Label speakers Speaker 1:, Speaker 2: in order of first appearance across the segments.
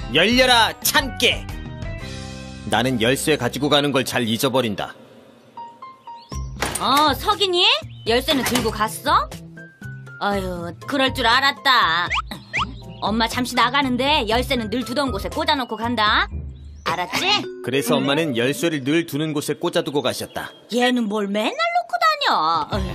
Speaker 1: 열려라 참깨. 나는 열쇠 가지고 가는 걸 잘 잊어버린다.
Speaker 2: 석인이? 열쇠는 들고 갔어? 아유, 그럴 줄 알았다. 엄마 잠시 나가는데 열쇠는 늘 두던 곳에 꽂아놓고 간다. 알았지?
Speaker 1: 그래서 엄마는 열쇠를 늘 두는 곳에 꽂아두고 가셨다.
Speaker 2: 얘는 뭘 맨날 놓고 다녀.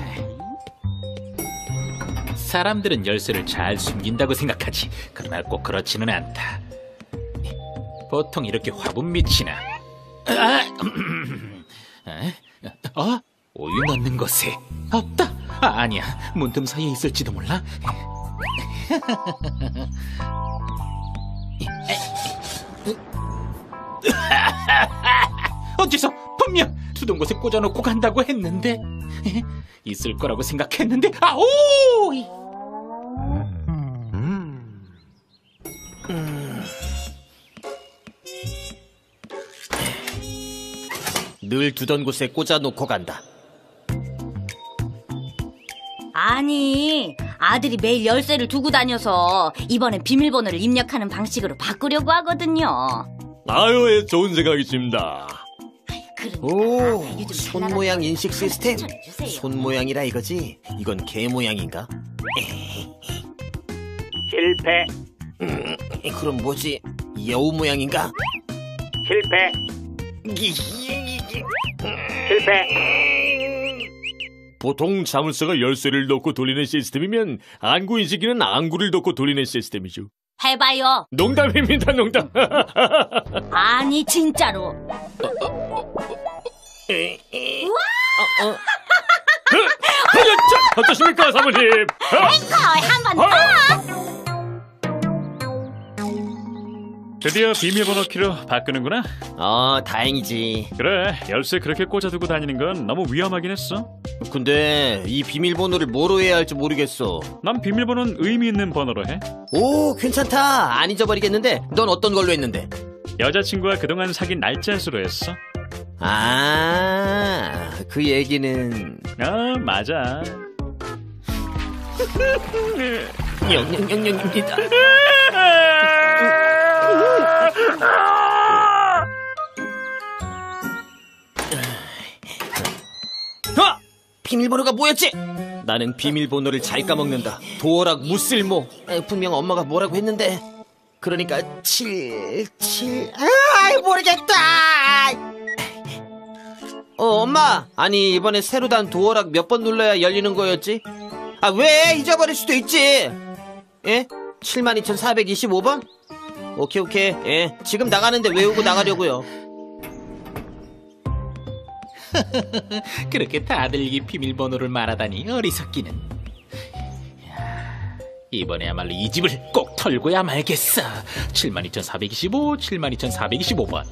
Speaker 3: 사람들은 열쇠를 잘 숨긴다고 생각하지. 그러나 꼭 그렇지는 않다. 보통 이렇게 화분 밑이나 우유 넣는 곳에 없다. 아니야, 문틈 사이에 있을지도 몰라. 어째서 분명 두던 곳에 꽂아놓고 간다고 했는데. 있을 거라고 생각했는데. 아오!
Speaker 1: 늘 두던 곳에 꽂아놓고 간다.
Speaker 2: 아니, 아들이 매일 열쇠를 두고 다녀서 이번엔 비밀번호를 입력하는 방식으로 바꾸려고 하거든요.
Speaker 4: 아유, 좋은 생각이십니다.
Speaker 1: 오, 손 모양 인식 시스템. 손 모양이라 이거지? 이건 개 모양인가?
Speaker 3: 실패.
Speaker 1: 그럼 뭐지? 여우 모양인가?
Speaker 3: 실패. 실패.
Speaker 4: 보통 자물쇠가 열쇠를 넣고 돌리는 시스템이면 안구 인식기는 안구를 넣고 돌리는 시스템이죠.
Speaker 2: 해봐요.
Speaker 4: 농담입니다, 농담.
Speaker 2: 아니, 진짜로.
Speaker 4: 어떠십니까, 사모님?
Speaker 2: 한번 더.
Speaker 5: 드디어 비밀번호 키로 바꾸는구나.
Speaker 1: 다행이지.
Speaker 5: 그래, 열쇠 그렇게 꽂아두고 다니는 건 너무 위험하긴 했어.
Speaker 1: 근데 이 비밀번호를 뭐로 해야 할지 모르겠어.
Speaker 5: 난 비밀번호는 의미 있는 번호로 해.
Speaker 1: 오, 괜찮다. 안 잊어버리겠는데. 넌 어떤 걸로 했는데?
Speaker 5: 여자친구와 그동안 사귄 날짜 수로 했어.
Speaker 1: 그 얘기는...
Speaker 5: 맞아.
Speaker 1: 영영영영입니다. 비밀번호가 뭐였지? 나는 비밀번호를 잘 까먹는다. 도어락 무쓸모. 분명 엄마가 뭐라고 했는데. 그러니까 7 모르겠다. 엄마. 아니, 이번에 새로 단 도어락 몇 번 눌러야 열리는 거였지? 왜? 잊어버릴 수도 있지. 예? 72,425번? 오케이. 예. 지금 나가는데 외우고 나가려고요.
Speaker 3: 그렇게 다들 이 비밀번호를 말하다니 어리석기는. 이번에야말로 이 집을 꼭 털고야 말겠어. 72,425, 72,425번.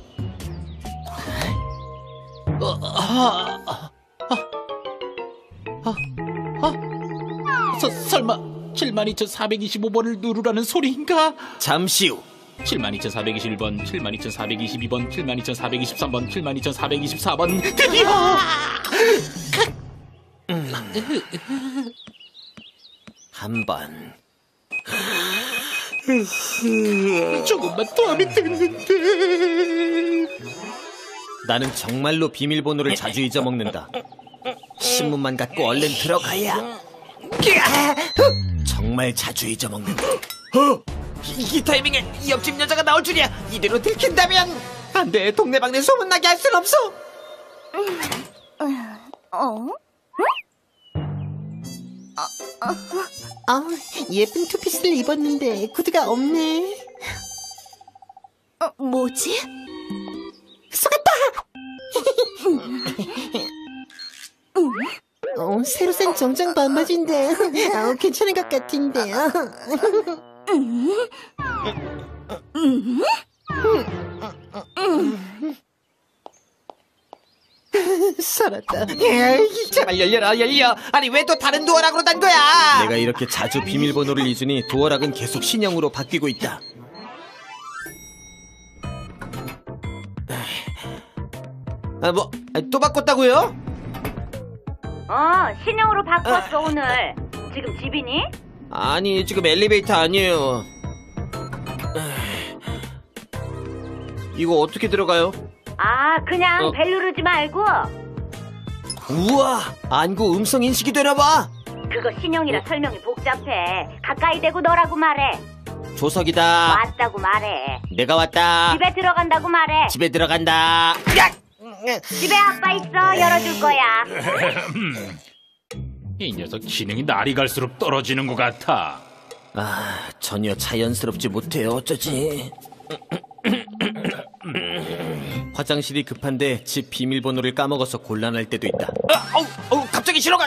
Speaker 3: 설마 72,425번을 누르라는 소리인가?
Speaker 1: 잠시 후
Speaker 3: 72,421번, 72,422번, 72,423번, 72,424번. 드디어!
Speaker 1: 한 번.
Speaker 3: 조금만 더 하면 됐는데.
Speaker 1: 나는 정말로 비밀번호를 자주 잊어먹는다. 신문만 갖고 얼른 들어가야. 정말 자주 잊어먹는다. 이 타이밍에 옆집 여자가 나올 줄이야. 이대로 들킨다면 안 돼. 동네방네 소문나게 할 순 없어. 예쁜 투피스를 입었는데 구두가 없네.
Speaker 2: 뭐지?
Speaker 1: 속았다. 새로 산 정장 반바지인데 괜찮은 것 같은데요. 살았다. 제발 열려. 아니 왜 또 다른 도어락으로 단 거야? 내가 이렇게 자주 비밀번호를 잊으니 도어락은 계속 신형으로 바뀌고 있다. 또 바꿨다고요?
Speaker 2: 신형으로 바꿨어 오늘. 지금 집이니?
Speaker 1: 아니 지금 엘리베이터 아니에요. 이거 어떻게 들어가요?
Speaker 2: 아, 그냥 벨 누르지 말고.
Speaker 1: 우와, 안구 음성 인식이 되나봐.
Speaker 2: 그거 신형이라 설명이 복잡해. 가까이 대고 너라고 말해.
Speaker 1: 조석이다.
Speaker 2: 왔다고 말해.
Speaker 1: 내가 왔다.
Speaker 2: 집에 들어간다고 말해.
Speaker 1: 집에 들어간다. 야!
Speaker 2: 집에 아빠 있어. 열어줄 거야.
Speaker 3: 이 녀석 지능이 날이 갈수록 떨어지는 것 같아.
Speaker 1: 아, 전혀 자연스럽지 못해요. 어쩌지? 화장실이 급한데 집 비밀번호를 까먹어서 곤란할 때도 있다. 갑자기 신호가.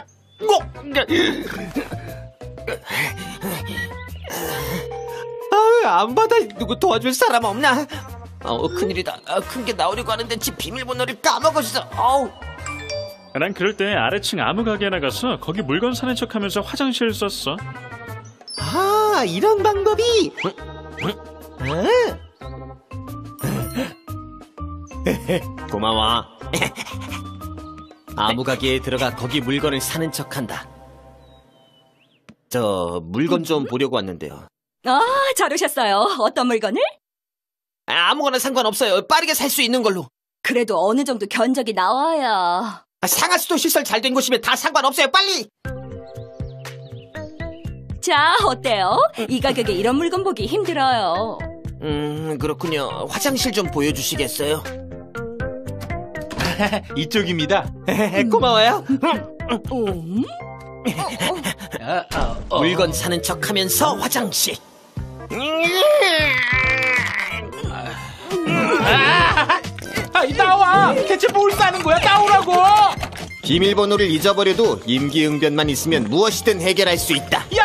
Speaker 1: 안 받아. 누구 도와줄 사람 없나? 큰일이다. 큰 게 나오려고 하는데 집 비밀번호를 까먹었어.
Speaker 5: 난 그럴 때 아래층 아무 가게에 나가서 거기 물건 사는 척하면서 화장실 썼어.
Speaker 1: 아, 이런 방법이. 고마워. 아무 가게에 들어가 거기 물건을 사는 척한다. 저 물건 좀 보려고 왔는데요.
Speaker 6: 잘 오셨어요. 어떤 물건을?
Speaker 1: 아무거나 상관없어요. 빠르게 살 수 있는 걸로.
Speaker 6: 그래도 어느 정도 견적이 나와야.
Speaker 1: 상하수도 시설 잘 된 곳이면 다 상관없어요. 빨리.
Speaker 6: 자, 어때요? 이 가격에 이런 물건 보기 힘들어요.
Speaker 1: 그렇군요. 화장실 좀 보여주시겠어요?
Speaker 3: 이쪽입니다.
Speaker 1: 고마워요. 물건 사는 척하면서 화장실.
Speaker 3: 나와! 대체 뭘 싸는 거야? 나오라고!
Speaker 1: 비밀번호를 잊어버려도 임기응변만 있으면 무엇이든 해결할 수 있다.
Speaker 3: 야!